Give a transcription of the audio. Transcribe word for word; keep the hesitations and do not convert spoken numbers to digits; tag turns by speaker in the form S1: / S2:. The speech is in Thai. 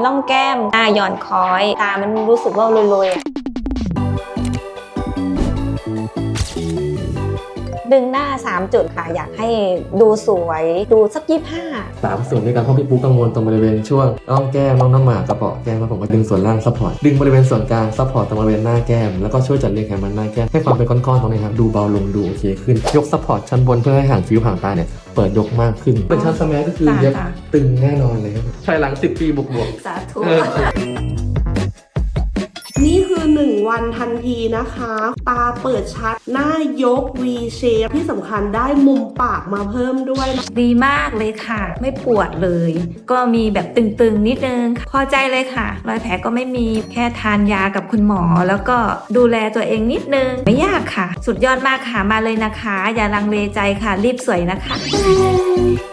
S1: ร่องแก้มหน้าหย่อนคอยตามันรู้สึกว่าลอยๆดึงหน้าสามจุดค่ะอยากให้ดูสวยดูสักยี่สิบห้า
S2: สามส่วนด้วยกันเพราะพี่ปุ๊กกังวลตรงบริเวณช่วงร่องแก้มร่องน้ำหมากกระเปาะแก้มแล้วผมก็ดึงส่วนล่างซัพพอร์ตดึงบริเวณส่วนกลางซัพพอร์ตตรงบริเวณหน้าแก้มแล้วก็ช่วยจัดเรียงไขมันหน้าแก้มให้ความเป็นก้อนๆตรงนี้ครับดูเบาลงดูโอเคขึ้นยกซัพพอร์ตชั้นบนเพื่อให้ห่างฟิวห่างตาเนี่ยเปิดยกมากขึ้นเป็นชั้นสแมัยก็คือเย็บตึงแน่นอนเลยครับภายหลังสิบปีบวกๆ
S1: สาธุ
S3: นี่คือหนึ่งวันทันทีนะคะตาเปิดชัดหน้ายก V shape ที่สำคัญได้มุมปากมาเพิ่มด้วยนะ
S4: ดีมากเลยค่ะไม่ปวดเลยก็มีแบบตึงๆนิดนึงพอใจเลยค่ะรอยแผลก็ไม่มีแค่ทานยากับคุณหมอแล้วก็ดูแลตัวเองนิดนึงไม่ยากค่ะสุดยอดมากค่ะมาเลยนะคะอย่าลังเลใจค่ะรีบสวยนะคะ